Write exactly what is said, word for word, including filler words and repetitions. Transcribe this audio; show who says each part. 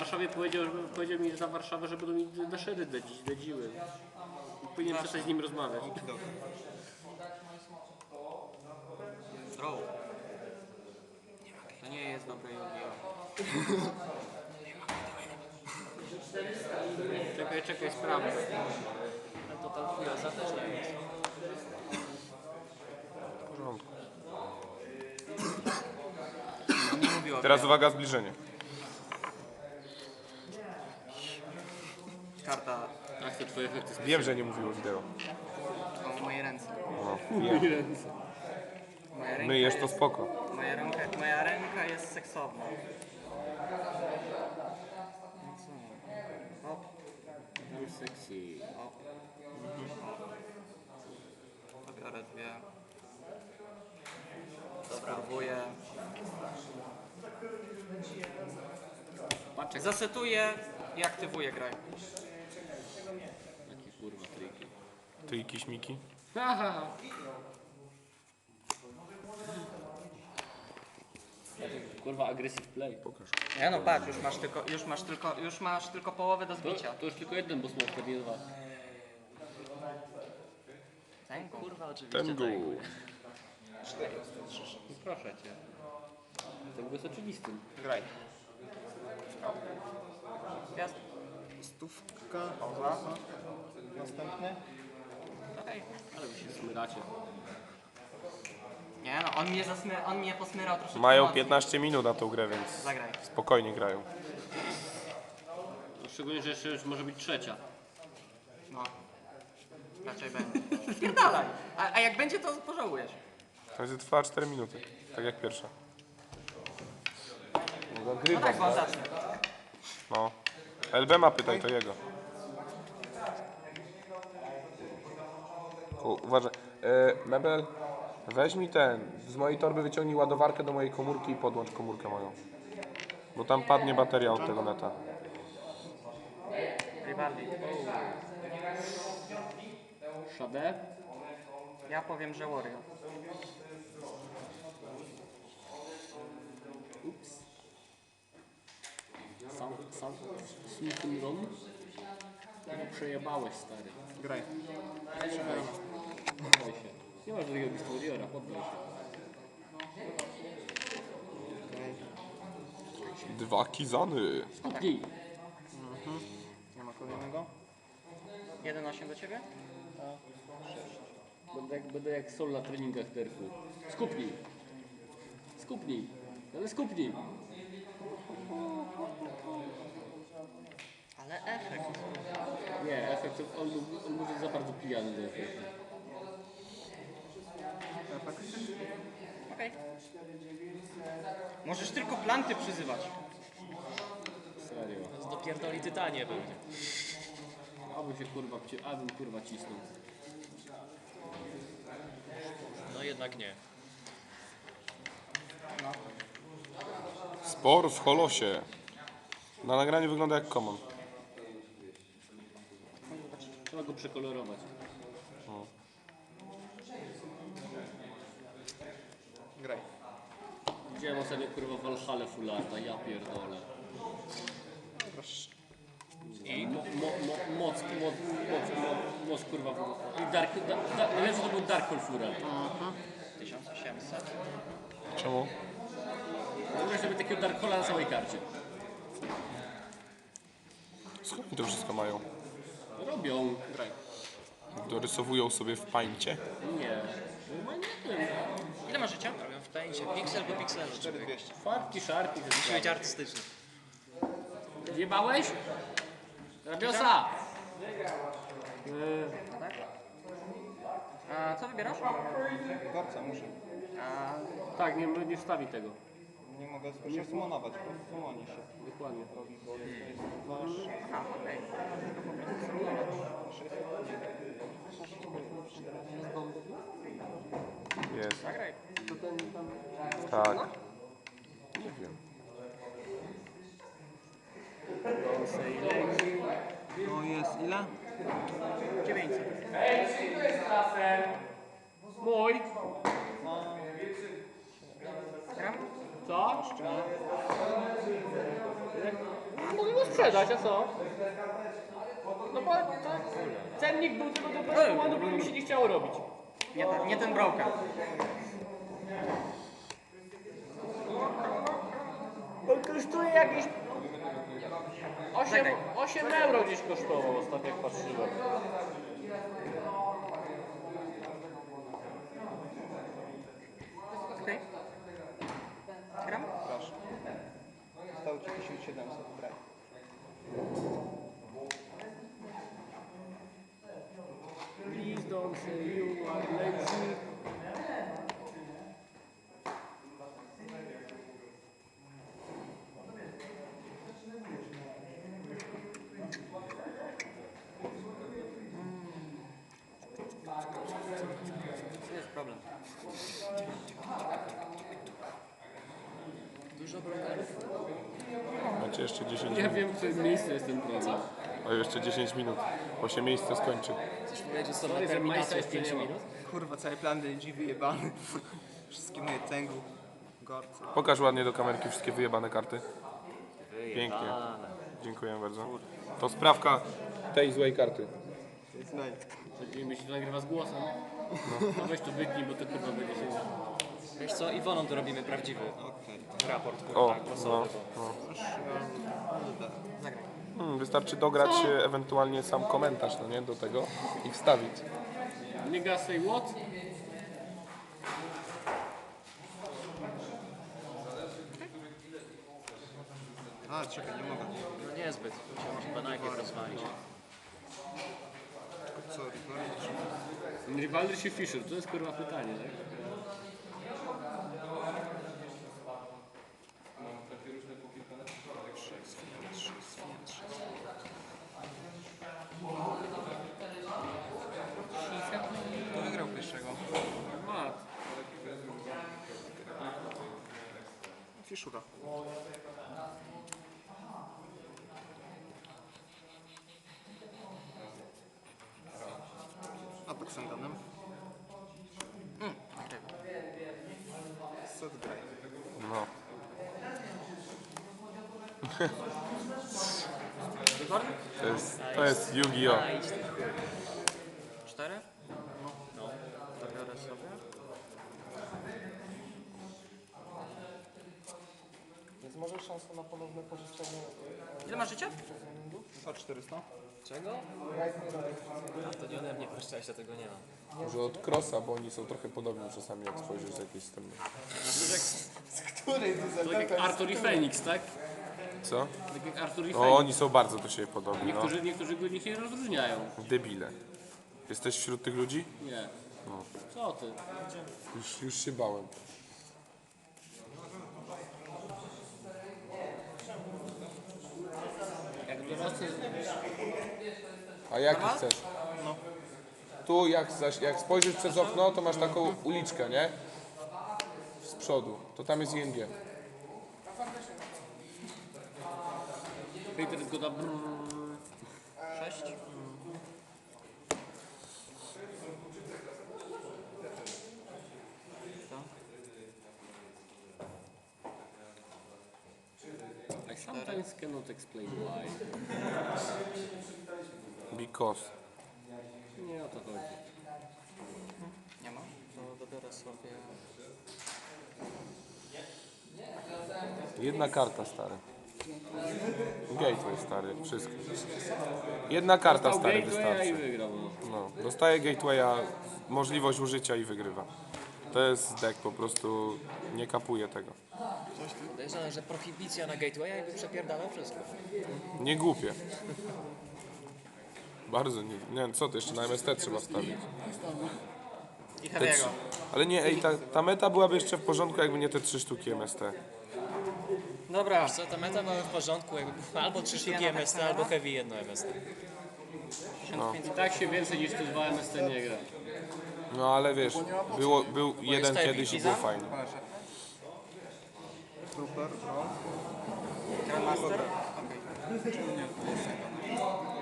Speaker 1: Warszawie powiedział, powiedział mi za Warszawę, że będą mi naszery dedziły. Powinien przestać z nim rozmawiać.
Speaker 2: Zdrowo. To nie jest dobre Yu-Gi-Oh!
Speaker 1: Czekaj, czekaj, sprawdzę.
Speaker 2: Ale to tam fujosa też nie jest.
Speaker 3: W porządku.
Speaker 2: Nie mówiła.
Speaker 3: Teraz uwaga, zbliżenie.
Speaker 2: Karta
Speaker 1: Tak, te twoje efekty
Speaker 3: Wiem, że nie mówiło wideo.
Speaker 2: o moje ręce.
Speaker 3: No,
Speaker 1: specjalne.
Speaker 3: wiem.
Speaker 2: Moja ręka
Speaker 3: Myjesz to
Speaker 2: jest,
Speaker 3: spoko.
Speaker 2: moja, ręka, moja ręka jest seksowna. No co? Hop,
Speaker 1: I'm sexy.
Speaker 2: hop. Pobiorę dwie. Spróbuję.
Speaker 1: Patrz jak
Speaker 2: Zasetuję i aktywuję grę.
Speaker 1: takie kurwa triki.
Speaker 3: Ty i kiśmiki.
Speaker 1: Aha. Kurwa, aggressive play.
Speaker 3: Pokaż.
Speaker 2: Nie no patrz, już masz tylko, już masz tylko, już masz tylko połowę do
Speaker 1: To,
Speaker 2: zbicia.
Speaker 1: to już tylko jeden, bo smoke, nie dwa.
Speaker 2: Ten kurwa oczywiście.
Speaker 3: Tengu.
Speaker 1: No proszę cię. To jest oczywistym.
Speaker 2: Graj. Gwiazd.
Speaker 4: Stówka.
Speaker 2: Pauza.
Speaker 4: Następny.
Speaker 2: Okej.
Speaker 1: Ale wy się smyracie.
Speaker 2: Nie no, on mnie zasmy, on mnie posmyrał troszeczkę
Speaker 3: Mają
Speaker 2: mocniej.
Speaker 3: piętnaście minut na tą grę, więc
Speaker 2: Zagraj.
Speaker 3: spokojnie grają.
Speaker 1: No, szczególnie, że jeszcze już może być trzecia.
Speaker 2: No. Raczej będzie. Spierdalaj. A, a jak będzie, to pożałujesz.
Speaker 3: To będzie trwała cztery minuty. Tak jak pierwsza. No,
Speaker 2: No
Speaker 3: zagrywa.
Speaker 2: tak, bo on zacznie.
Speaker 3: No. L B ma pytaj, to jego. U, uważaj. E, Mebel, weź mi ten. Z mojej torby wyciągnij ładowarkę do mojej komórki i podłącz komórkę moją. Bo tam padnie bateria od tego neta.
Speaker 2: Rivaldi.
Speaker 1: Shade?
Speaker 2: Ja powiem, że Warrior.
Speaker 1: Ups. Sam, sam, Smithing Rom? No przejebałeś, stary.
Speaker 2: Graj.
Speaker 1: Czekaj. Poddaj się. Nie masz drugiego Warriora, poddaj się.
Speaker 3: Dwa kizany.
Speaker 1: Skupnij.
Speaker 2: Nie ma kolejnego. jeden osiem do ciebie?
Speaker 1: Będę jak, będę jak Sol na treningach derfu. Skupnij. Skupnij. Ale skupnij.
Speaker 2: Ale efekt.
Speaker 1: Nie, efekt, on, on może za bardzo pijany do efektu.
Speaker 2: Okej. Możesz tylko planty przyzywać.
Speaker 1: Serio.
Speaker 5: Z dopierdoli tytanie będzie.
Speaker 1: Abym się kurwa, wci- abym kurwa cisnął.
Speaker 5: No jednak nie.
Speaker 3: Spor w holosie. Na nagraniu wygląda jak common.
Speaker 1: Trzeba go przekolorować.
Speaker 2: Graj.
Speaker 1: Widziałem ostatnio kurwa Valhalla Fullarda, ja pierdolę. I mo, mo, mo, moc, moc, moc, moc, moc kurwa. I Dark, da, da, najlepszy to był Dark Hole Fural.
Speaker 2: tysiąc osiemset.
Speaker 3: Czemu?
Speaker 1: Wyobraź sobie takiego Dark Hola na całej karcie.
Speaker 3: Skąd oni to wszystko mają?
Speaker 1: Robią.
Speaker 2: Graj.
Speaker 3: Dorysowują sobie w pańcie.
Speaker 1: Nie. Normalnie nie.
Speaker 2: Ile ma życia?
Speaker 5: Robią w pęcie, piksel po pikselu. człowiek.
Speaker 1: Farki, szarki.
Speaker 5: Musi być artystyczny.
Speaker 1: Zjebałeś? Rabiosa!
Speaker 2: A co wybierasz?
Speaker 4: Gorca muszę.
Speaker 2: A,
Speaker 1: Tak, nie, nie wstawi tego.
Speaker 4: Nie mogę się sumonować, bo sumoni się
Speaker 1: Dokładnie.
Speaker 4: robi, bo to jest wasz...
Speaker 2: aha, okej.
Speaker 3: Jest.
Speaker 2: Zagraj.
Speaker 3: Tak. Nie wiem.
Speaker 4: No jest ile?
Speaker 2: dziewięćset.
Speaker 1: Mój!
Speaker 2: Gram?
Speaker 1: Co? Mogę go sprzedać, a co? No bo to cennik był tylko do bezkomanu, bo mi się nie chciało robić.
Speaker 2: Nie ten, nie ten broker.
Speaker 1: On kosztuje jakieś osiem,
Speaker 2: Zagraj.
Speaker 1: osiem euro gdzieś kosztował ostatnio jak patrzyłem.
Speaker 2: Okej. Gram?
Speaker 4: Proszę. Zostało ci tysiąc siedemset, braj.
Speaker 1: Please don't say you are lazy.
Speaker 2: To jest problem.
Speaker 5: Dużo brokerów.
Speaker 3: Macie jeszcze dziesięć
Speaker 1: Ja
Speaker 3: minut.
Speaker 1: wiem, w którym miejscu jest ten problem.
Speaker 3: O, jeszcze dziesięć minut, bo się miejsce skończy.
Speaker 5: Chcesz powiedzieć, że są na
Speaker 1: Sorry, że
Speaker 5: terminację
Speaker 1: Majsa
Speaker 5: w pięć
Speaker 1: jeszcze nie ma.
Speaker 5: minut?
Speaker 4: Kurwa, cały plan D L G wyjebany. Wszystkie moje cęgu, gorce.
Speaker 3: Pokaż ładnie do kamerki wszystkie wyjebane karty. Pięknie.
Speaker 5: Wyjebane.
Speaker 3: Dziękuję bardzo. To sprawka tej złej karty.
Speaker 4: Znaj.
Speaker 1: Będziemy się to nagrywa z głosem. No weź to wytnij, bo to kurwa będzie się...
Speaker 5: Wiesz co, Iwoną to robimy prawdziwy
Speaker 4: Okej.
Speaker 5: raport,
Speaker 3: O,
Speaker 5: kurwa,
Speaker 3: no,
Speaker 5: głosowy.
Speaker 3: no.
Speaker 2: Zagraj.
Speaker 3: Hmm, wystarczy dograć e, ewentualnie sam komentarz, no nie, do tego i wstawić.
Speaker 1: Nigga say what?
Speaker 4: A, czekaj, nie mogę.
Speaker 5: No niezbyt, musiałem chyba najpierw rozwalić.
Speaker 4: Co, Rivalry?
Speaker 1: Rivalry czy Fisher? To jest kurwa pytanie, tak?
Speaker 4: Kto wygrał pierwszego?
Speaker 1: Mat.
Speaker 4: Fiszura. A tak Sandanem?
Speaker 2: Mm, okej.
Speaker 4: Co wygraj?
Speaker 3: No.
Speaker 2: Reborn?
Speaker 3: To jest, to jest Yu-Gi-Oh!
Speaker 5: A, idź ty.
Speaker 2: Cztery?
Speaker 5: No.
Speaker 2: Zabiorę sobie.
Speaker 4: Jest może szansa na ponowne pożyczenie
Speaker 2: Ile masz życia?
Speaker 4: dwa czterysta?
Speaker 5: Czego? A to nie ode mnie, proszę, ja tego nie mam.
Speaker 3: Może od Crossa, bo oni są trochę podobni czasami, jak spojrzysz z jakiejś strony.
Speaker 4: Której ty
Speaker 1: Tak jak Arthur i Phoenix, tak?
Speaker 3: Co?
Speaker 1: Tak jak Arthur i
Speaker 3: O,
Speaker 1: Phoenix.
Speaker 3: oni są bardzo do siebie podobni, no.
Speaker 1: Niektórzy, niektórzy go nich nie rozróżniają.
Speaker 3: Debile. Jesteś wśród tych ludzi?
Speaker 1: Nie. Co ty?
Speaker 3: Już, już się bałem.
Speaker 1: Jak dorosły...
Speaker 3: A jaki chcesz? Tu jak, zaś, jak spojrzysz przez okno, to masz taką uliczkę, nie? Z przodu. To tam jest I N G.
Speaker 1: Peter zgoda brrr.
Speaker 2: Sześć.
Speaker 1: I sometimes cannot explain why.
Speaker 3: Because.
Speaker 1: Nie o to chodzi.
Speaker 2: Nie ma?
Speaker 5: To dobiorę sobie...
Speaker 3: Jedna karta, stary. Gateway, stary. Wszystko. Jedna karta,
Speaker 1: Dostał
Speaker 3: stary,
Speaker 1: gatewaya i
Speaker 3: wystarczy.
Speaker 1: wygrał. No.
Speaker 3: No, dostaje Gatewaya, możliwość użycia i wygrywa. To jest deck, po prostu nie kapuje tego.
Speaker 5: Podejrzewam, że prohibicja na gatewaya jakby przepierdalał wszystko.
Speaker 3: Nie głupie. Bardzo nie. Nie wiem, co to jeszcze na M S T trzeba wstawić.
Speaker 2: I
Speaker 3: Te
Speaker 2: Heavy'ego.
Speaker 3: trzy, ale nie, ej, ta, ta meta byłaby jeszcze w porządku, jakby nie te trzy sztuki M S T.
Speaker 2: Dobra.
Speaker 5: Wiesz co, ta meta była w porządku, jakby było albo trzy sztuki M S T, albo heavy jedno M S T.
Speaker 1: I tak się więcej niż te dwa M S T nie gra.
Speaker 3: No ale wiesz, było, był jeden
Speaker 5: heavy.
Speaker 3: kiedyś i był fajny.
Speaker 4: Trooper, no.
Speaker 2: Grandmaster? Okej.